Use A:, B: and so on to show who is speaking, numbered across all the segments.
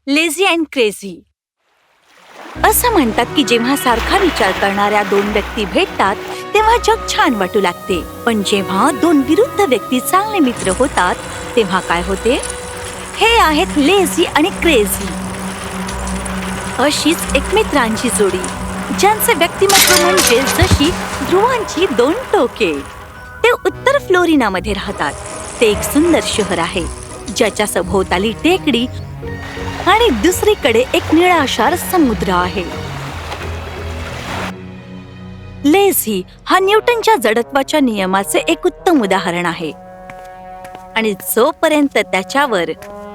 A: Lazy and crazy. असं म्हणतात की जेव्हा सारखा विचार करणाऱ्या दोन व्यक्ती भेटतात तेव्हा जग छान वाटू लागते. पण जेव्हा दोन विरुद्ध व्यक्ती चांगले मित्र होतात तेव्हा काय होते? हे आहेत लेझी आणि क्रेझी. अशीच एक मित्रांची जोडी ज्यांचे व्यक्तिमत्व म्हणजे जशी ध्रुवांची दोन टोके. ते उत्तर फ्लोरिनामध्ये राहतात. ते एक सुंदर शहर आहे ज्याच्या सभोवताली टेकडी आणि दुसरीकडे एक निळाशार समुद्र आहे. लेझी हा न्यूटनच्या जडत्वाच्या नियमाचे एक उत्तम उदाहरण आहे आणि जोपर्यंत त्याच्यावर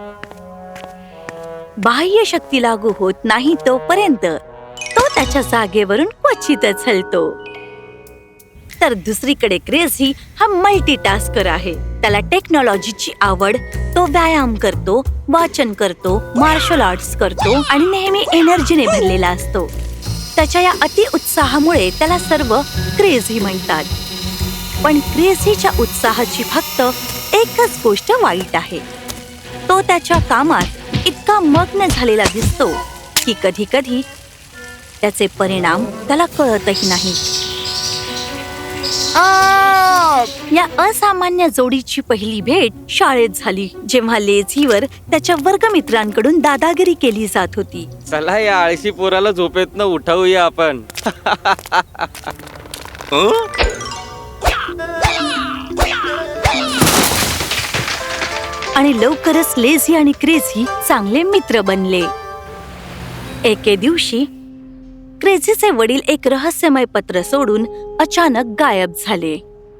A: बाह्य शक्ती लागू होत नाही तोपर्यंत तो त्याच्या जागेवरून क्वचितच हलतो. तर दुसरीकडे क्रेझी हा मल्टीटास्कर आहे. त्याला टेक्नॉलॉजीची आवड, तो व्यायाम करतो, वाचन करतो, मार्शल आर्ट्स करतो आणि नेहमी एनर्जीने भरलेला असतो. त्याच्या या अति उत्साहामुळे त्याला सर्व क्रेझी म्हणतात. पण क्रेझीच्या उत्साहाची फक्त एकच गोष्ट वाईट आहे. तो त्याच्या कामात इतका मग्न झालेला दिसतो की कधी कधी त्याचे परिणाम त्याला कळतही नाही. या असामान्य जोडीची पहिली भेट शाळेत झाली जेव्हा लेझीवर त्याच्या वर्गमित्रांकडून दादागिरी केली जात होती.
B: चला या आळशी पोराला झोपेतनं उठवूया आपण.
A: आणि लवकरच लेझी आणि क्रेझी चांगले मित्र बनले. एके दिवशी क्रेझीचे वडील एक रहस्यमय पत्र सोडून अचानक गायब झाले.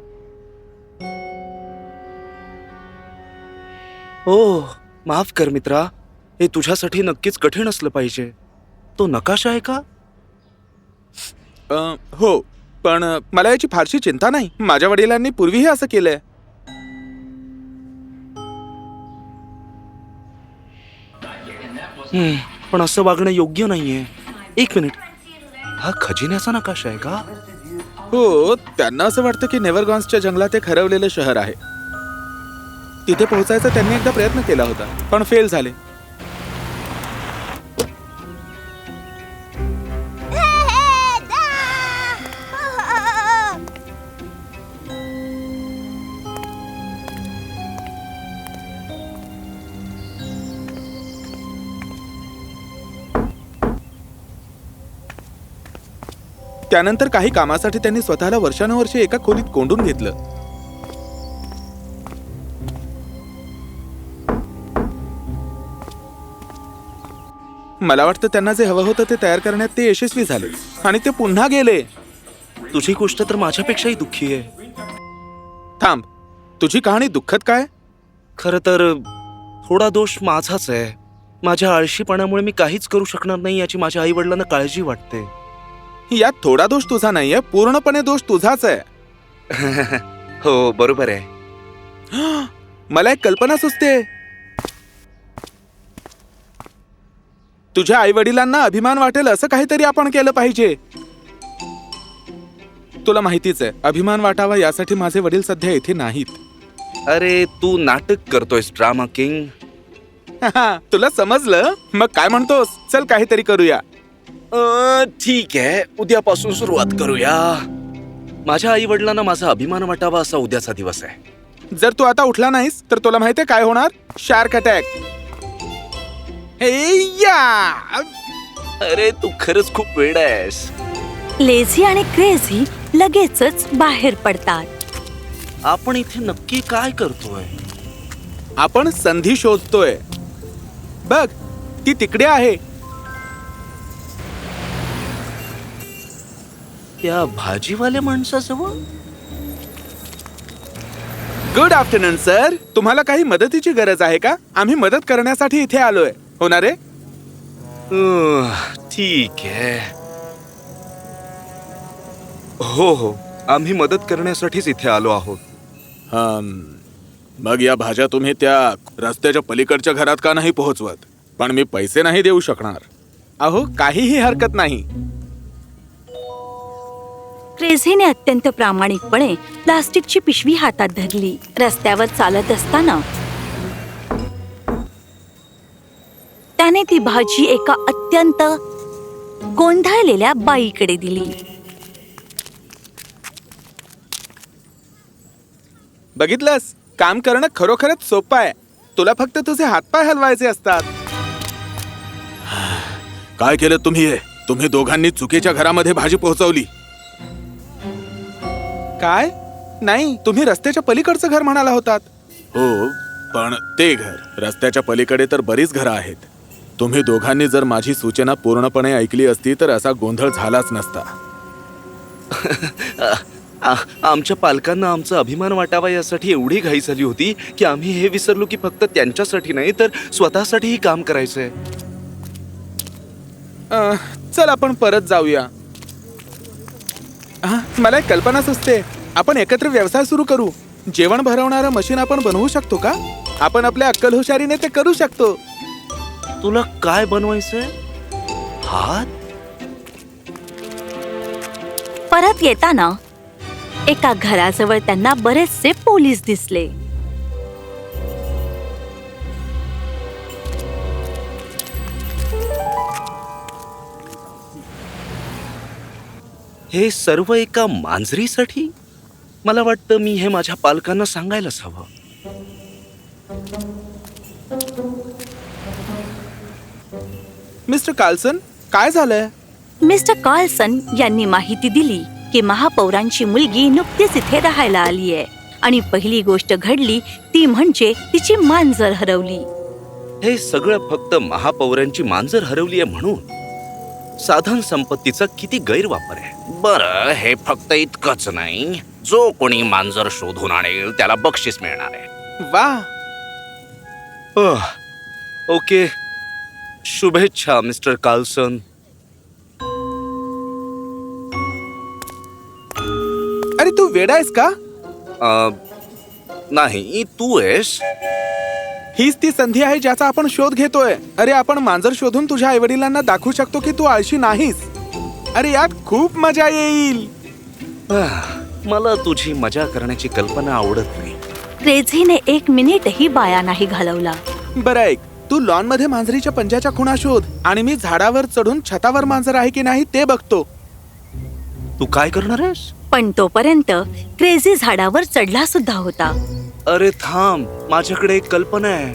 C: ओह, माफ कर मित्रा, हे तुझ्यासाठी नक्कीच कठीण असलं पाहिजे. तो नकाशा आहे का?
D: हो, पण मला याची फारशी चिंता नाही. माझ्या वडिलांनी पूर्वीही असं केलंय.
C: पण असं वागणं योग्य नाहीये. एक मिनिट, हा खजिन्याचा नकाशा आहे का?
D: हो, त्यांना असं वाटतं की नेव्हरगॉन्सच्या जंगलात एक हरवलेलं शहर आहे. तिथे पोहोचायचा त्यांनी एकदा प्रयत्न केला होता, पण फेल झाले. त्यानंतर काही कामासाठी त्यांनी स्वतःला वर्षानुवर्षे एका खोलीत कोंडून घेतलं. मला वाटतं त्यांना जे हवं होतं ते तयार करण्यात ते यशस्वी झाले आणि ते पुन्हा गेले.
C: तुझी गोष्ट तर माझ्यापेक्षाही दुःखी आहे.
D: थांब, तुझी कहाणी दुःखद काय?
C: खरं तर थोडा दोष माझाच आहे. माझ्या आळशीपणामुळे मी काहीच करू शकणार नाही याची माझ्या आई वडिलांना काळजी वाटते.
D: यात थोडा दोष तुझा नाहीये, पूर्णपणे दोष तुझाच आहे.
C: हो, बरोबर आहे.
D: मला एक कल्पना सुचते. तुझ्या आई वडिलांना अभिमान वाटेल असं काहीतरी आपण केलं पाहिजे. तुला माहितीच आहे, अभिमान वाटावा यासाठी माझे वडील सध्या इथे नाहीत.
C: अरे, तू नाटक करतोयस ड्रामा किंग.
D: तुला समजलं? मग काय म्हणतोस? चल काहीतरी करूया.
C: ठीक आहे, उद्यापासून सुरुवात करूया. माझ्या आई वडिलांना माझा अभिमान वाटावा असा उद्याचा दिवस आहे.
D: जर तू आता उठला नाहीस तर तुला माहितीये काय होणार? Shark attack.
C: अरे, तू खरंच खूप वेडा आहेस.
A: लेझी आणि क्रेझी लगेचच बाहेर पडतात.
C: आपण इथे नक्की काय करतोय?
D: आपण संधी शोधतोय. बघ, ती तिकडे आहे.
C: त्या भाजीवाल्या माणसाजवळ.
D: Good afternoon sir. तुम्हाला काही मदतीची गरज आहे का? आम्ही मदत करण्यासाठी इथे आलोय. होणार आहे?
C: ठीक आहे. हो, आम्ही मदत करण्यासाठीच इथे आलो आहोत.
D: मग या भाज्या तुम्ही त्या रस्त्याच्या पलीकडच्या घरात का नाही पोहोचवत? पण मी पैसे नाही देऊ शकणार. अहो, काहीही हरकत नाही.
A: क्रेझीने अत्यंत प्रामाणिकपणे प्लास्टिकची पिशवी हातात धरली. रस्त्यावर चालत असताना त्याने ती भाजी एका अत्यंत गोंधळलेल्या बाईकडे दिली.
D: बघितलंस, काम करणं खरोखरच सोपं आहे. तुला फक्त तुझे हातपाय हलवायचे असतात.
E: काय केलं तुम्ही हे? तुम्ही दोघांनी चुकीच्या घरामध्ये भाजी पोहोचवली.
D: काय? नाही, तुम्ही रस्त्याच्या पलीकडचं घर म्हणाला होतात.
E: हो, पण ते घर रस्त्याच्या पलीकडे तर बरीच घरं आहेत. तुम्ही दोघांनी जर माझी सूचना पूर्णपणे ऐकली असती तर असा गोंधळ झालाच नसता.
C: आमच्या पालकांना आमचा अभिमान वाटावा यासाठी एवढी घाई झाली होती की आम्ही हे विसरलो की फक्त त्यांच्यासाठी नाही तर स्वतःसाठीही काम करायचंय.
D: चल आपण परत जाऊया. मला एक कल्पना सुचते. आपण एकत्र व्यवसाय सुरू करू. जेवण भरवणारं मशीन आपण बनवू शकतो का? आपण आपल्या अक्कल हुशारीने ते करू शकतो.
C: तुला काय बनवायचंय? हात?
A: परत येताना एका घराजवळ त्यांना बरेचसे पोलीस दिसले.
C: हे सर्व एका मांजरीसाठी? मला वाटतं मी हे माझ्या पालकांना सांगायलाच हवं.
D: मिस्टर कार्लसन, काय झालंय?
A: मिस्टर कार्लसन यांनी माहिती दिली की महापौरांची मुलगी नुकतीच इथे राहायला आली आहे आणि पहिली गोष्ट घडली ती म्हणजे तिची मांजर हरवली.
C: हे सगळं फक्त महापौरांची मांजर हरवली आहे म्हणून? साधन संपत्तीचा किती गैरवापर आहे. बरं, हे फक्त इतकंच नाही. जो कोणी मांजर शोधून आणेल त्याला बक्षीस मिळणार आहे.
D: वा,
C: ओके, शुभेच्छा मिस्टर कार्लसन.
D: अरे तू वेडा आहेस का?
C: नाही, तू आहेस.
D: हीच ती संधी आहे ज्याचा आपण शोध घेतोय. अरे आपण मांजर शोधून तुझ्या आईवडिलांना दाखवू शकतो की तू आळशी नाहीस. अरे यात खूप मजा येईल.
C: मला तुझी मजा करण्याची कल्पना आवडत नाही.
A: क्रेझीने 1 मिनिटही वाया नाही घालवला.
D: बरं ऐक, तू लॉन मध्ये मांजरीच्या पंजाच्या खुणा शोध आणि मी झाडावर चढून छतावर मांजर आहे की नाही ते बघतो.
C: तू काय करणार आहेस?
A: पण तोपर्यंत क्रेझी झाडावर चढला सुद्धा होता.
C: अरे थांब, माझ्याकडे एक कल्पना आहे.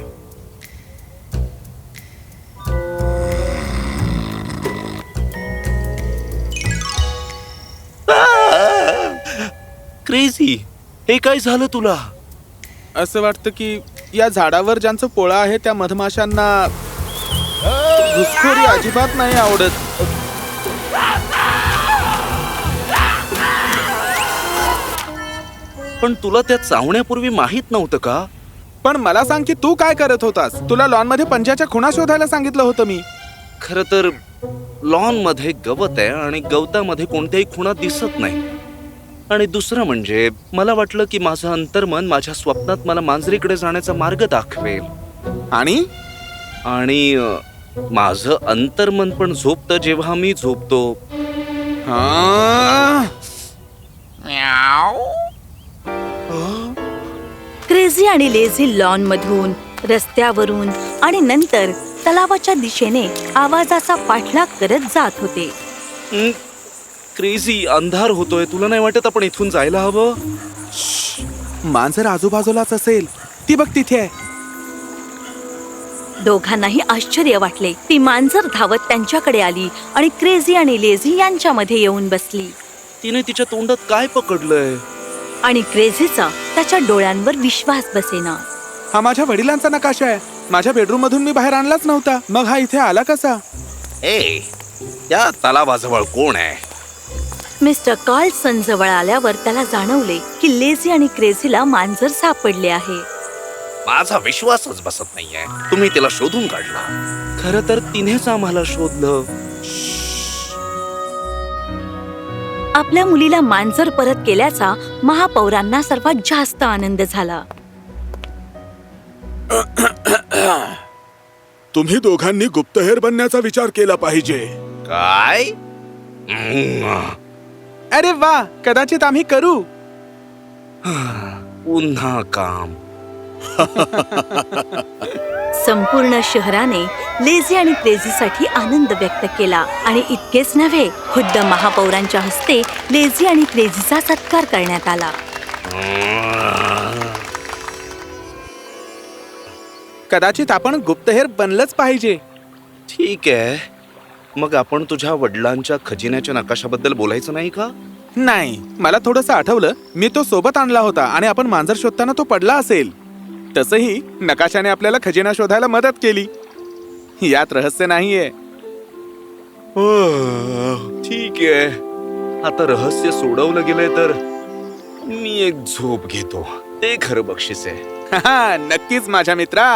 C: क्रेझी, हे काय झालं तुला?
D: असं वाटतं की या झाडावर ज्यांचं पोळा आहे त्या मधमाशांना घुसखोरी अजिबात नाही आवडत.
C: पण तुला त्या चावण्यापूर्वी माहित नव्हतं का?
D: पण मला सांग की तू काय करत होतास? तुला लॉन मध्ये पंजाच्या खुणा शोधायला सांगितलं होतं मी.
C: खर तर लॉन मध्ये गवत आहे आणि गवतामध्ये कोणत्याही खुणा दिसत नाही. आणि दुसरं म्हणजे मला वाटलं की माझं अंतर्मन माझ्या स्वप्नात मला मांजरीकडे जाण्याचा मार्ग दाखवेल.
D: आणि
C: माझं अंतर्मन पण झोपतं जेव्हा मी झोपतो.
A: क्रेझी आणि लेझी लॉन मधून, रस्त्यावरून आणि नंतर तलावाच्या दिशेने आवाजाचा पाठलाग करत जात होते.
C: क्रेझी, अंधार होतोय. तुला नाही वाटत आपण इथून जायला हवं?
D: मांजर आजूबाजूलाच असेल. ती बघ तिथे आहे.
A: दोघांनाही आश्चर्य वाटले. ती मांजर धावत त्यांच्याकडे आली आणि क्रेझी आणि लेझी यांच्यामध्ये येऊन बसली.
C: तिने तिच्या तोंडात काय पकडलंय?
A: आणि क्रेझीचा त्याच्या डोळ्यांवर विश्वास बसेना.
D: हा माझ्या वडिलांचा नकाशा आहे. माझ्या बेडरूम मधून मी बाहेर आणलाच नव्हता. मग हा इथे आला कसा?
C: ए, या तलावाजवळ कोण आहे?
A: मिस्टर कार्लसन जवळ आल्यावर त्याला जाणवले की लेझी आणि क्रेझीला मांजर सापडले आहे.
C: माझा विश्वासच बसत नाहीये. तुम्ही तिला शोधून काढला. खरं तर तिनेच आम्हाला शोधलं.
A: आपल्या मुलीला मांजर परत केल्याचा महापौरांना सर्वात जास्त आनंद झाला.
E: तुम्ही दोघांनी गुप्तहेर बनण्याचा विचार केला पाहिजे.
C: काय?
D: अरे वा, कदाचित आम्ही करू.
C: पुन्हा काम.
A: संपूर्ण शहराने लेझी आणि क्रेझीसाठी आनंद व्यक्त केला आणि इतकेच नव्हे, खुद्द महापौरांच्या हस्ते लेझी आणि क्रेझीचा सत्कार करण्यात आला.
D: कदाचित आपण गुप्तहेर बनलंच पाहिजे.
C: ठीक आहे, मग आपण तुझ्या वडिलांच्या खजिन्याच्या नकाशाबद्दल बोलायचं नाही का?
D: नाही, मला थोडंसं आठवलं. मी तो सोबत आणला होता आणि आपण मांजर शोधताना तो पडला असेल. तसंही नकाशाने आपल्याला खजिना शोधायला मदत केली. यात रहस्य नाहीये.
C: ठीक आहे, आता रहस्य सोडवलं गेलंय तर मी एक झोप घेतो. ते खरं बक्षीस आहे.
D: हा, नक्कीच माझ्या मित्रा.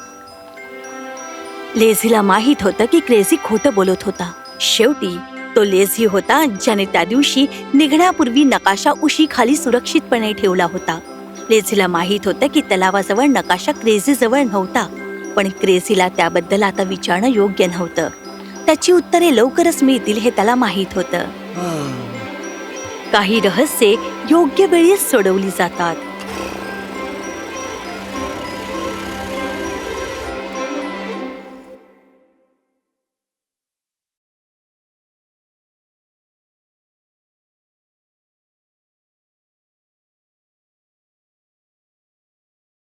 A: लेझीला माहित होतं की क्रेझी खोटं बोलत होता. शेवटी तो लेझी होता ज्याने त्या दिवशी निघण्यापूर्वी नकाशा उशीखाली सुरक्षितपणे ठेवला होता. लेझीला माहित होतं की तलावाजवळ नकाशा क्रेझी जवळ नव्हता, पण क्रेझीला त्याबद्दल आता विचारणं योग्य नव्हतं. त्याची उत्तरे लवकरच मिळतील हे त्याला माहित होतं. काही रहस्ये योग्य वेळीच सोडवली जातात.